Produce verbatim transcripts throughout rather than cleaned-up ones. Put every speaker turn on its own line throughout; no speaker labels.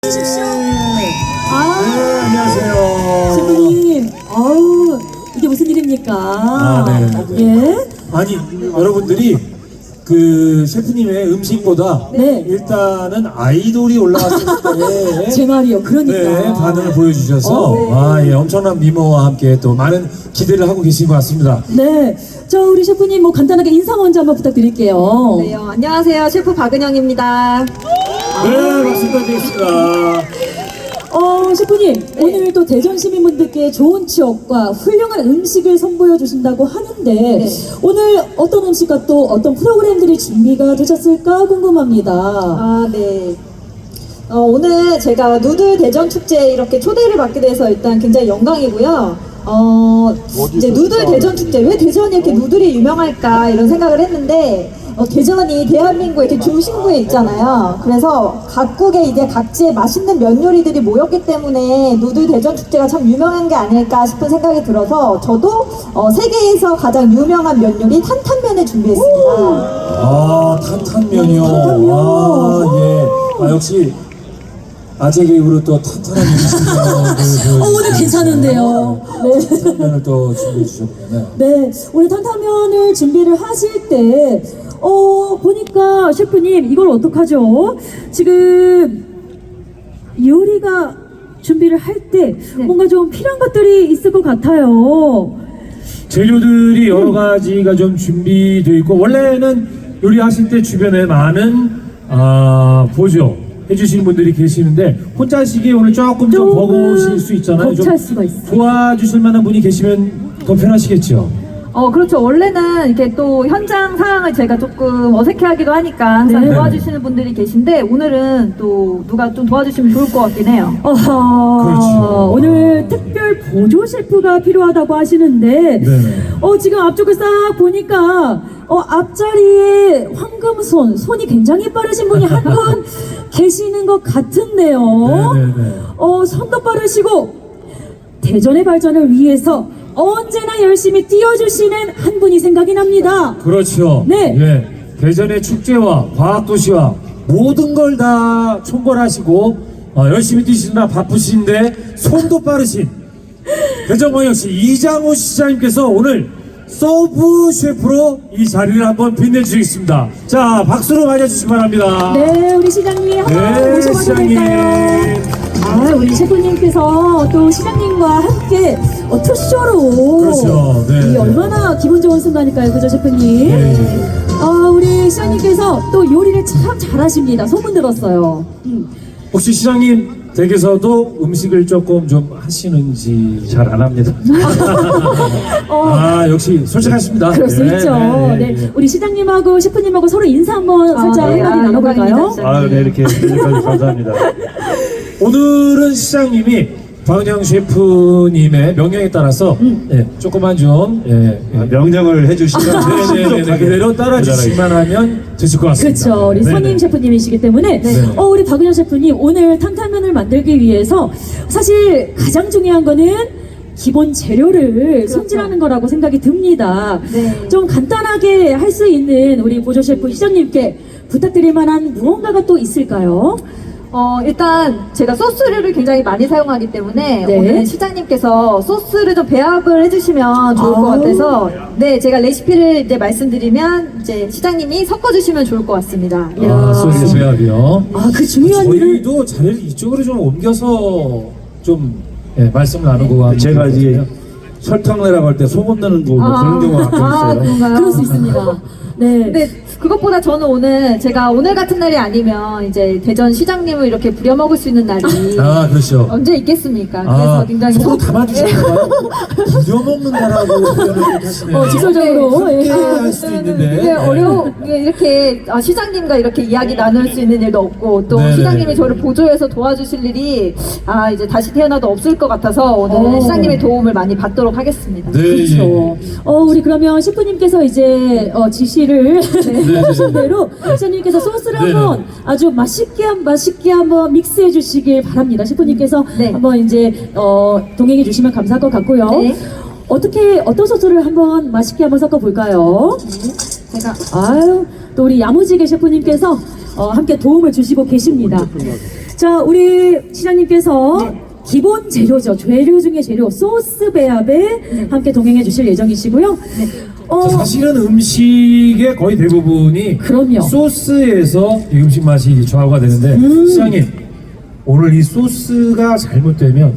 아,
네, 안녕하세요.
셰프님, 아우, 이게 무슨 일입니까?
아, 네.
예?
아니, 여러분들이 그 셰프님의 음식보다
네.
일단은 아이돌이 올라왔을 때
제 말이요, 그러니까.
네, 반응을 보여주셔서
어, 네.
아, 예, 엄청난 미모와 함께 또 많은 기대를 하고 계신 것 같습니다.
네. 저 우리 셰프님 뭐 간단하게 인사 먼저 한번 부탁드릴게요.
네, 어, 안녕하세요. 셰프 박은영입니다.
네, 박수 부탁드리겠습니다.
어, 셰프님, 오늘 또 대전 시민분들께 좋은 추억과 훌륭한 음식을 선보여 주신다고 하는데 오늘 어떤 음식과 또 어떤 프로그램들이 준비가 되셨을까 궁금합니다.
아, 네. 어, 오늘 제가 누들 대전 축제 이렇게 초대를 받게 돼서 일단 굉장히 영광이고요. 어, 이제 누들 대전 축제, 왜 대전이 이렇게 누들이 유명할까 이런 생각을 했는데 어, 대전이 대한민국의 이렇게 중심부에 있잖아요. 그래서 각국의 이제 각지의 맛있는 면 요리들이 모였기 때문에 누들 대전 축제가 참 유명한 게 아닐까 싶은 생각이 들어서 저도 어, 세계에서 가장 유명한 면 요리 탄탄면을 준비했습니다.
아, 탄탄면이요.
탄탄면.
아, 예. 아, 역시 아재 개그로 또 탄탄한 음식을
어, 오늘 괜찮은데요. 네.
탄탄면을 또 준비해 주셨네요.
네, 오늘 탄탄면을 준비를 하실 때, 어, 보니까 셰프님, 이걸 어떡하죠? 지금 요리가 준비를 할 때
네.
뭔가 좀 필요한 것들이 있을 것 같아요.
재료들이 여러 가지가 좀 준비되어 있고, 원래는 요리하실 때 주변에 많은 아, 보조 해주시는 분들이 계시는데 혼자 하시기에 오늘 조금 좀
조금
버거우실 수 있잖아요. 좀
벅찰 수가 있어요.
도와주실 만한 분이 계시면 더 편하시겠죠.
어, 그렇죠. 원래는 이렇게 또 현장 상황을 제가 조금 어색해하기도 하니까 항상
네.
도와주시는 분들이 계신데 오늘은 또 누가 좀 도와주시면 좋을 것 같긴 해요.
어허,
그렇죠.
오늘 특별 보조 셰프가 필요하다고 하시는데,
네네.
어, 지금 앞쪽을 싹 보니까, 어, 앞자리에 황금손, 손이 굉장히 빠르신 분이 한 분 계시는 것 같은데요.
네네네.
어, 손도 빠르시고, 대전의 발전을 위해서 언제나 열심히 뛰어주시는 한 분이 생각이 납니다.
그렇죠.
네.
예. 대전의 축제와 과학도시와 모든 걸 다 총괄하시고 어, 열심히 뛰시느라 바쁘신데 손도 빠르신 대전광역시 이장호 시장님께서 오늘 서브 셰프로 이 자리를 한번 빛내주시겠습니다. 자, 박수로 맞아주시기 바랍니다.
네, 우리 시장님 한번
네,
모셔봐도
시장님.
될까요? 아, 우리 셰프님께서 또 시장님과 함께 어, 투쇼로
그렇죠, 네.
이 얼마나 기분 좋은 순간일까요, 그죠, 셰프님?
네, 네.
아, 우리 시장님께서 또 요리를 참 잘하십니다. 소문 들었어요. 음.
혹시 시장님 댁에서도 음식을 조금 좀 하시는지 잘 안 합니다.
어,
아, 역시 솔직하십니다.
그럴 수
네,
있죠.
네,
네,
네.
우리 시장님하고 셰프님하고 서로 인사 한번
아,
살짝
네.
한마디
아,
나눠볼까요?
영광입니다.
아, 네, 이렇게 여기까지 감사합니다.
오늘은 시장님이 박은영 셰프님의 명령에 따라서 예, 조금만 좀 예,
아,
예.
명령을 해주시면
네네네 그대로 따라주시기만 하면 되실 것 같습니다.
그렇죠. 우리
네네.
선임 셰프님이시기 때문에
네.
어, 우리 박은영 셰프님 오늘 탄탄면을 만들기 위해서 사실 가장 중요한 거는 기본 재료를 손질하는 거라고 생각이 듭니다.
네.
좀 간단하게 할 수 있는 우리 보조 셰프 시장님께 부탁드릴 만한 무언가가 또 있을까요?
어, 일단 제가 소스류를 굉장히 많이 사용하기 때문에
네.
오늘 시장님께서 소스를 좀 배합을 해주시면 좋을 것
아우.
같아서 네, 제가 레시피를 이제 말씀드리면 이제 시장님이 섞어주시면 좋을 것 같습니다.
아, 소스 배합이요.
아, 그 중요한 일을
저희도 자리를 이쪽으로 좀 옮겨서 좀 예, 말씀을 나누고 하면
제가
좋을 것
이제
같아요.
설탕 내라고 할 때 소금 넣는 거 뭐
아.
그런 경우가 가끔
아,
있어요.
그런가요?
그럴 수 있습니다. 네.
근데 그것보다 저는 오늘 제가 오늘 같은 날이 아니면 이제 대전 시장님을 이렇게 부려먹을 수 있는 날이
아, 그렇죠.
언제 있겠습니까? 그래서
아,
굉장히
서로
속-
담아주시는가요? 부려먹는다라고 표현을 하시네요.
어, 직설적으로.
네.
예.
할 수도 있는데.
이게 어려워 이렇게 아, 시장님과 이렇게 이야기 나눌 수 있는 일도 없고 또
네네.
시장님이 저를 보조해서 도와주실 일이 아 이제 다시 태어나도 없을 것 같아서 오늘
어.
시장님의 도움을 많이 받도록 하겠습니다.
네,
그렇죠.
예.
어, 우리 그러면 셰프님께서 이제 어, 지시를
네.
해주신 대로 셰프님께서 소스를
네네.
한번 아주 맛있게 한 맛있게 한번 믹스해 주시길 바랍니다. 셰프님께서
네.
한번 이제 어, 동행해 주시면 감사할 것 같고요.
네.
어떻게 어떤 소스를 한번 맛있게 한번 섞어 볼까요?
제가
아유, 또 우리 야무지게 셰프님께서 어, 함께 도움을 주시고 계십니다. 자, 우리 시장님께서 기본 재료죠. 재료 중에 재료 소스 배합에 함께 동행해 주실 예정이시고요. 어,
자, 사실은 음식의 거의 대부분이
그럼요.
소스에서 이 음식 맛이 좌우가 되는데
음.
시장님 오늘 이 소스가 잘못되면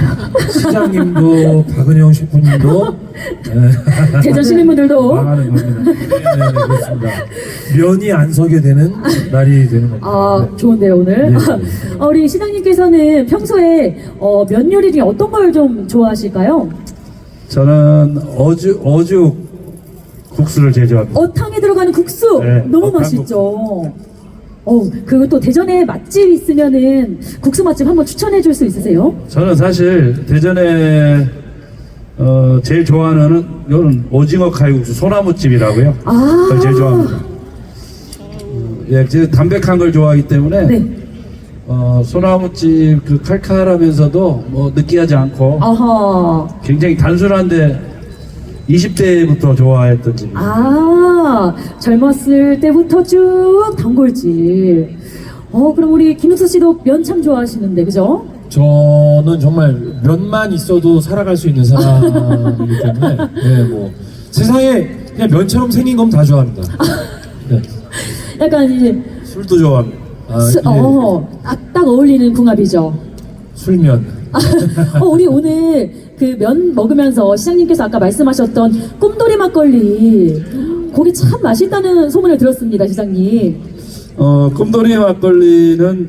시장님도 박은영 셰프님도 네,
대전 시민분들도
망하는 겁니다. 네, 네, 그렇습니다. 면이 안 서게 되는 날이 되는 겁니다.
아,
네.
좋은데요, 오늘.
네, 네.
어, 우리 시장님께서는 평소에 어, 면 요리 중에 어떤 걸 좀 좋아하실까요?
저는 어죽 어죽 국수를 제일 좋아합니다.
어탕에 들어가는 국수
네,
너무
어탕
맛있죠. 어, 그리고 또 대전에 맛집 있으면은 국수 맛집 한번 추천해 줄 수 있으세요?
저는 사실 대전에 어, 제일 좋아하는 이거는 오징어 칼국수 소나무집이라고요.
아.
그걸 제일 좋아합니다. 어, 예, 제가 담백한 걸 좋아하기 때문에
네.
어, 소나무집 그 칼칼하면서도 뭐 느끼하지 않고
아하.
굉장히 단순한데 이십 대부터 좋아했던 집이에요.
아, 젊었을 때부터 쭉 단골집. 어, 그럼 우리 김육수 씨도 면 참 좋아하시는데, 그죠?
저는 정말 면만 있어도 살아갈 수 있는 사람이기 때문에 네, 뭐 세상에 그냥 면처럼 생긴 건 다 좋아합니다. 네.
약간 이제,
술도 좋아합니다.
아,
수,
예,
어, 딱, 딱 어울리는 궁합이죠.
술면.
어, 우리 오늘 그 면 먹으면서 시장님께서 아까 말씀하셨던 꿈돌이 막걸리. 거기 참 맛있다는 소문을 들었습니다, 시장님.
어, 꿈돌이 막걸리는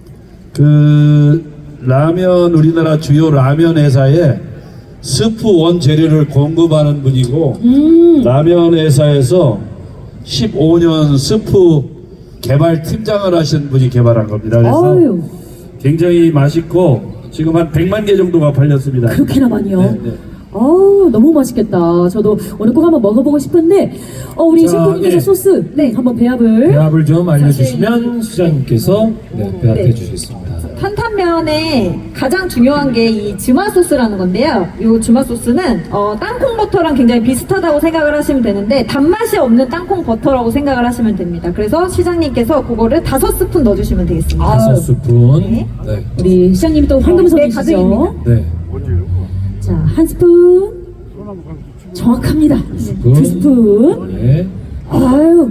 그 라면 우리나라 주요 라면 회사에 스프 원 재료를 공급하는 분이고
음,
라면 회사에서 십오 년 스프 개발 팀장을 하신 분이 개발한 겁니다. 그래서
아유,
굉장히 맛있고 지금 한 백만 개 정도가 팔렸습니다.
그렇게나 많이요?
네, 네.
어우, 너무 맛있겠다. 저도 오늘 꼭 한번 먹어보고 싶은데, 어, 우리
자,
셰프님께서
예.
소스, 네, 한번 배합을.
배합을 좀 알려주시면 시장님께서 네, 배합해
네.
주시겠습니다.
탄탄면에 가장 중요한 게 이 주마 소스라는 건데요. 이 주마 소스는 어, 땅콩 버터랑 굉장히 비슷하다고 생각을 하시면 되는데 단맛이 없는 땅콩 버터라고 생각을 하시면 됩니다. 그래서 시장님께서 그거를 다섯 스푼 넣어주시면 되겠습니다.
다섯 스푼.
네.
네.
우리 시장님이 또
네,
황금손이시죠?
가득입니다.
네.
자, 한 스푼. 정확합니다. 두 스푼.
네.
아유,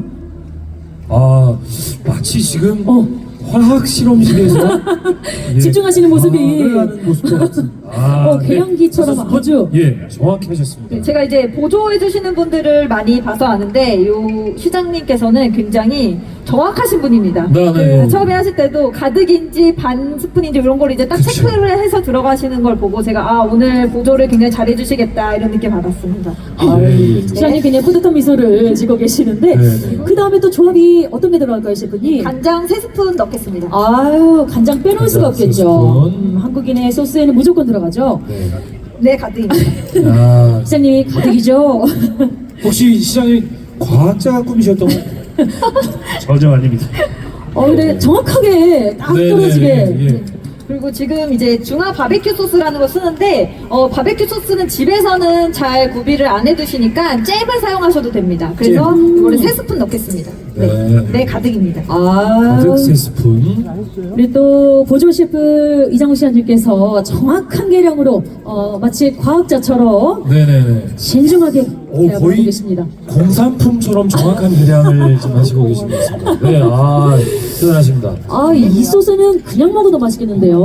아, 마치 지금
어.
화학 실험실에서 예,
집중하시는 모습이.
과학을 하는 모습과 같은. 아,
어, 계량기처럼
다섯 스푼?
아주.
예, 정확히 하셨습니다.
제가 이제 보조해 주시는 분들을 많이 봐서 아는데 요 시장님께서는 굉장히 정확하신 분입니다.
네, 네.
그 처음에 하실 때도 가득인지 반 스푼인지 이런 걸 이제 딱
그쵸.
체크를 해서 들어가시는 걸 보고 제가 아 오늘 보조를 굉장히 잘해 주시겠다 이런 느낌 받았습니다.
네.
시장님 굉장히 뿌듯한 미소를 지고 계시는데,
네, 네.
그 다음에 또 조합이 어떤 게 들어갈까요, 셰프님?
간장 세 스푼 넣겠습니다.
아유, 간장 빼놓을 수가
간장 세
없겠죠.
스푼.
음, 한국인의 소스에는 무조건 들어가죠.
네.
네 가득입니다.
아,
시장님이 가득이죠.
혹시 시장님 과학자 꿈이셨던 거?
전혀 아닙니다.
어, 근데 정확하게 딱
네,
떨어지게.
네, 네, 예.
그리고 지금 이제 중화 바베큐 소스라는 걸 쓰는데 어, 바베큐 소스는 집에서는 잘 구비를 안 해두시니까 잼을 사용하셔도 됩니다. 그래서
잼.
이거를 세 스푼 넣겠습니다. 네,
네.
네 가득입니다.
아,
가득 세 스푼.
우리 또 보조 셰프 이장우 시장님께서 정확한 계량으로 어, 마치 과학자처럼
네네네.
신중하게
오,
배합을 하고
거의
계십니다.
공산품처럼 정확한 계량을 좀 하시고 계신 것 같습니다. 네, 아, 대단하십니다.
아, 이 소스는 그냥 먹어도 맛있겠는데요.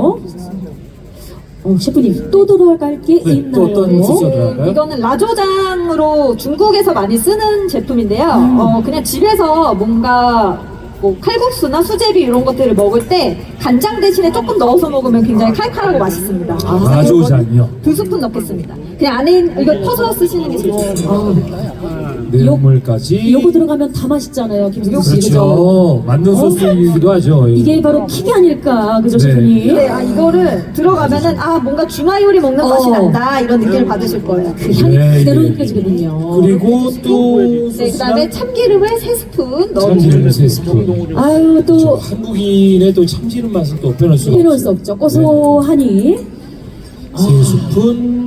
어, 셰프님 또 들어갈 게
네,
있나요?
또 어떤 소스?
네,
들어갈까요?
이거는 라조장으로 중국에서 많이 쓰는 제품인데요. 어, 그냥 집에서 뭔가 뭐 칼국수나 수제비 이런 것들을 먹을 때 간장 대신에 조금 넣어서 먹으면 굉장히 칼칼하고 맛있습니다.
아, 라조장이요?
두 스푼 넣겠습니다. 그냥 안에 이거 퍼서 쓰시는 게 제일 좋아요.
내용물까지.
요거 들어가면 다 맛있잖아요, 김승수 씨. 그죠?
그렇죠. 맞는 소스이기도 하죠.
이게 바로 킥이 아닐까, 그죠,
네.
셰프님?
네, 아 이거를 들어가면은 아 뭔가 중화 요리 먹는 맛이
어.
난다 이런 느낌을 받으실 거예요.
그 향이
네,
그대로
네.
느껴지거든요.
그리고 또
네, 그다음에 참기름을 세 스푼 넣어주세요.
참기름 세 스푼.
아유,
저
또
한국인의 또 참기름 맛은 또 빼놓을 수가
빼놓을
없어요.
수 없죠. 고소하니.
세 스푼.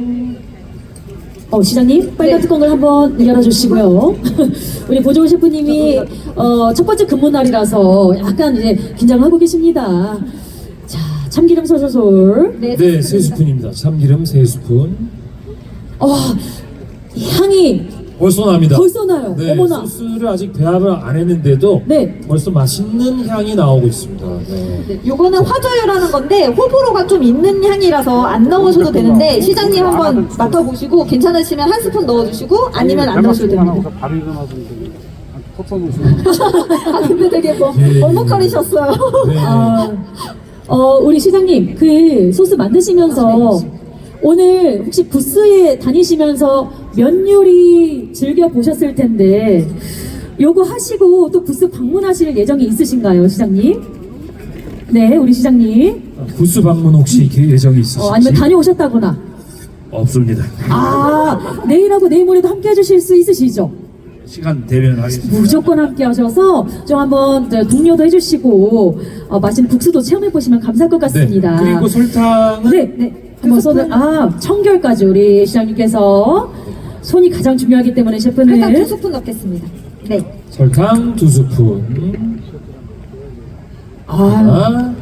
어, 시장님, 빨간
네.
뚜껑을 한번 열어주시고요. 우리 보조 셰프님이 어, 첫 번째 근무 날이라서 약간 이제 긴장하고 계십니다. 자, 참기름 솔솔솔.
네,
네, 세 스푼입니다. 참기름 세 스푼.
어, 향이
벌써 납니다.
벌써 나요.
네,
어머나.
소스를 아직 배합을 안 했는데도
네.
벌써 맛있는 향이 나오고 있습니다. 네.
네, 요거는 화저유라는 건데 호불호가 좀 있는 향이라서 안 넣으셔도 되는데 시장님 한번 맡아보시고 괜찮으시면 한 스푼 넣어주시고 아니면 안 넣으셔도 됩니다.
바로 일어나서 톱선으로
아 근데 되게 뭐
예.
머뭇거리셨어요.
네.
아, 어, 우리 시장님, 그 소스 만드시면서 오늘 혹시 부스에 다니시면서 면 요리 즐겨 보셨을 텐데 요거 하시고 또 부스 방문하실 예정이 있으신가요, 시장님? 네, 우리 시장님.
부스 방문 혹시 예정이 있으신지?
어, 아니면 다녀오셨다거나.
없습니다.
아, 내일하고 내일 모레도 함께 해주실 수 있으시죠?
시간 되면 하겠습니다.
무조건 함께 하셔서 좀 한번 저 동료도 해주시고 어, 맛있는 국수도 체험해 보시면 감사할 것 같습니다.
네. 그리고 설탕은
네, 네. 한번 손을 아 청결까지 우리 시장님께서 손이 가장 중요하기 때문에 셰프는
일단 두 스푼 넣겠습니다. 네.
설탕 두 스푼.
아,
하나,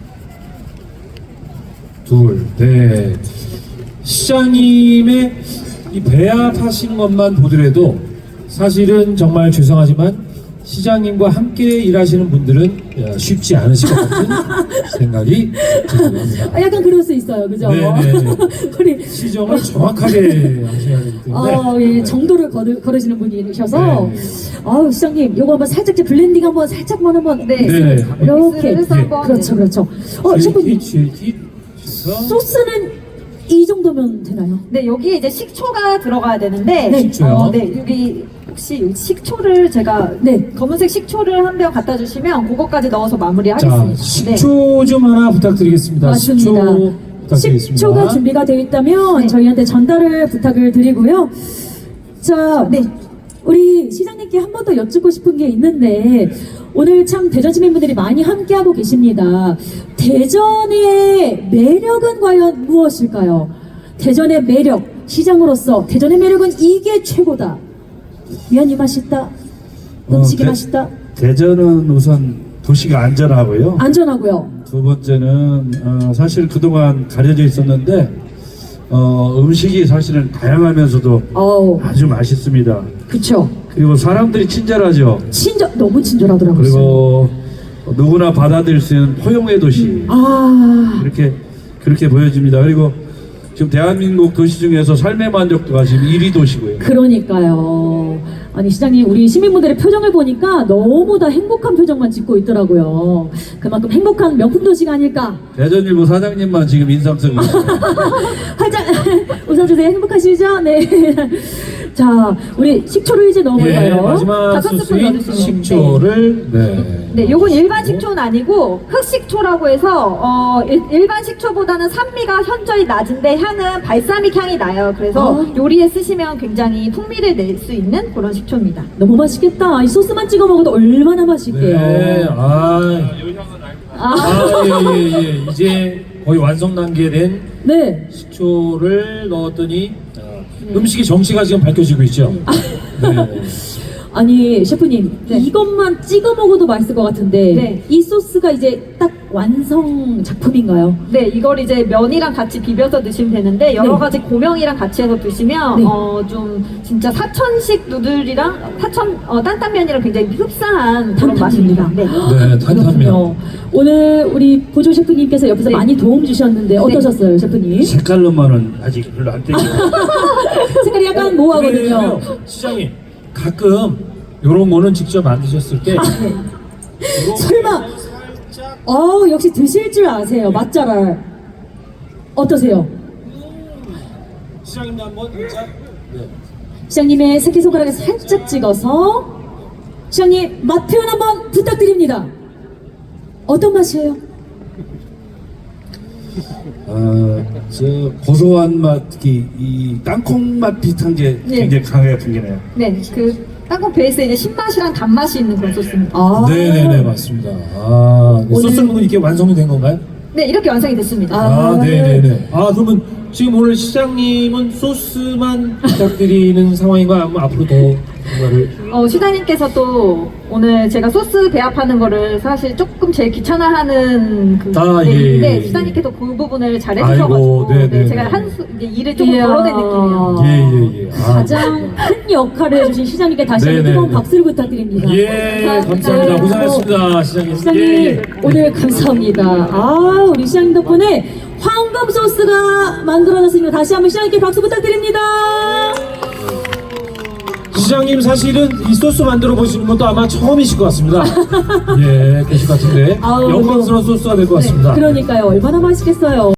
둘, 네. 시장님의 이 배합하신 것만 보더라도 사실은 정말 죄송하지만 시장님과 함께 일하시는 분들은 쉽지 않으실 것 같은 생각이 듭니다.
아, 약간 그럴 수 있어요, 그죠?
네네.
우리
시정을 정확하게 하셔야 되기 때문에.
어, 예, 정도를 걸으, 걸으시는 분이셔서
네.
아우 시장님 요거 한번 살짝 이제 블렌딩 한번 살짝만 한번
네.
네.
이렇게
믹스를 한번,
그렇죠,
네.
그렇죠. 어, 셰프님
쉐이키,
소스는 이 정도면 되나요?
네, 여기에 이제 식초가 들어가야 되는데
네.
식초요?
어, 네, 여기 혹시 여기 식초를 제가
네.
검은색 식초를 한 병 갖다 주시면 그거까지 넣어서
자,
마무리하겠습니다. 네.
식초 좀 하나 부탁드리겠습니다.
맞습니다.
식초 부탁드리겠습니다.
식초가 준비가 되어 있다면
네.
저희한테 전달을 부탁을 드리고요. 자, 네. 우리 시장님께 한 번 더 여쭙고 싶은 게 있는데 오늘 참 대전 시민분들이 많이 함께하고 계십니다. 대전의 매력은 과연 무엇일까요? 대전의 매력, 시장으로서 대전의 매력은 이게 최고다. 면이 맛있다. 음식이
어, 대-
맛있다.
대전은 우선 도시가 안전하고요.
안전하고요.
두 번째는 어, 사실 그동안 가려져 있었는데 어, 음식이 사실은 다양하면서도
어우,
아주 맛있습니다.
그쵸.
그리고 사람들이 친절하죠.
친절, 너무 친절하더라고요.
그리고 누구나 받아들일 수 있는 포용의 도시
아,
이렇게 그렇게 보여집니다. 그리고 지금 대한민국 도시 중에서 삶의 만족도가 지금 일 위 도시고요.
그러니까요. 아니 시장님 우리 시민분들의 표정을 보니까 너무 다 행복한 표정만 짓고 있더라고요. 그만큼 행복한 명품 도시가 아닐까.
대전일보 사장님만 지금 인상 쓰고 있어요.
활짝 웃어주세요. 행복하시죠? 네. 자, 우리 식초를 이제
예,
넣어볼까요?
마지막
다섯 스푼
소스인
넣어주시면
식초를 네.
네, 요건 일반 식초는 아니고 흑식초라고 해서 어, 일, 일반 식초보다는 산미가 현저히 낮은데 향은 발사믹 향이 나요. 그래서
어.
요리에 쓰시면 굉장히 풍미를 낼 수 있는 그런 식초입니다.
너무 맛있겠다. 이 소스만 찍어 먹어도 얼마나 맛있게요.
네. 아,
아,
아, 예, 예, 예. 이제 거의 완성 단계에 된
네.
식초를 넣었더니 어, 음식의 정체가 지금 밝혀지고 있죠. 네.
아니 셰프님
네.
이것만 찍어 먹어도 맛있을 것 같은데
네.
이 소스가 이제 딱 완성 작품인가요?
네, 이걸 이제 면이랑 같이 비벼서 드시면 되는데 여러
네.
가지 고명이랑 같이 해서 드시면
네.
어, 좀 진짜 사천식 누들이랑 사천 어,担担면이랑 굉장히 흡사한 그런 맛입니다. 네.
네, 탄탄면.
그렇군요. 오늘 우리 보조 셰프님께서 옆에서
네.
많이 도움 주셨는데 어떠셨어요, 셰프님?
색깔로만은 아직 별로 안 땡기고
색깔이 약간 모호하거든요.
그래요. 시장님 가끔 이런 거는 직접 만드셨을 때
설마, 어 역시 드실 줄 아세요, 맛잘알. 어떠세요?
시장님도 한번 진짜 네.
시장님의 새끼손가락에 살짝 찍어서 시장님 맛 표현 한번 부탁드립니다. 어떤 맛이에요?
어, 저 고소한 맛, 특히 이 땅콩 맛 비슷한 게
네.
굉장히 강하게 풍기네요.
네, 그 땅콩 베이스에 이제 신맛이랑 단맛이 있는 그런 소스입니다.
아,
네네네 맞습니다. 아 네,
오늘-
소스는 이렇게 완성이 된 건가요?
네, 이렇게 완성이 됐습니다.
아,
아 네네네. 아 그러면 지금 오늘 시장님은 소스만 부탁드리는 상황인가요? 아니면 앞으로 더 뭔가를
어, 시장님께서 또 오늘 제가 소스 배합하는 거를 사실 조금 제일 귀찮아하는 그
아,
네,
예,
일인데
예, 예.
시장님께서 그 부분을 잘
아이고,
해주셔가지고
네,
네,
네,
제가
네.
한 수, 이제 일을 조금
이야.
덜어낸 느낌이에요.
예예예. 아,
가장 큰 역할을 해주신 시장님께 다시 한번
네네,
뜨거운
네.
박수를 부탁드립니다.
예, 감사합니다.
네.
고생하셨습니다, 시장님.
시장님
예, 예.
오늘 감사합니다. 아 우리 시장님 덕분에 황금 소스가 만들어졌습니다. 다시 한번 시장님께 박수 부탁드립니다.
시장님 사실은 이 소스 만들어 보시는 것도 아마 처음이실 것 같습니다. 예, 계실 것 같은데
아우,
영광스러운 소스가 될 것 같습니다.
그러니까요 얼마나 맛있겠어요.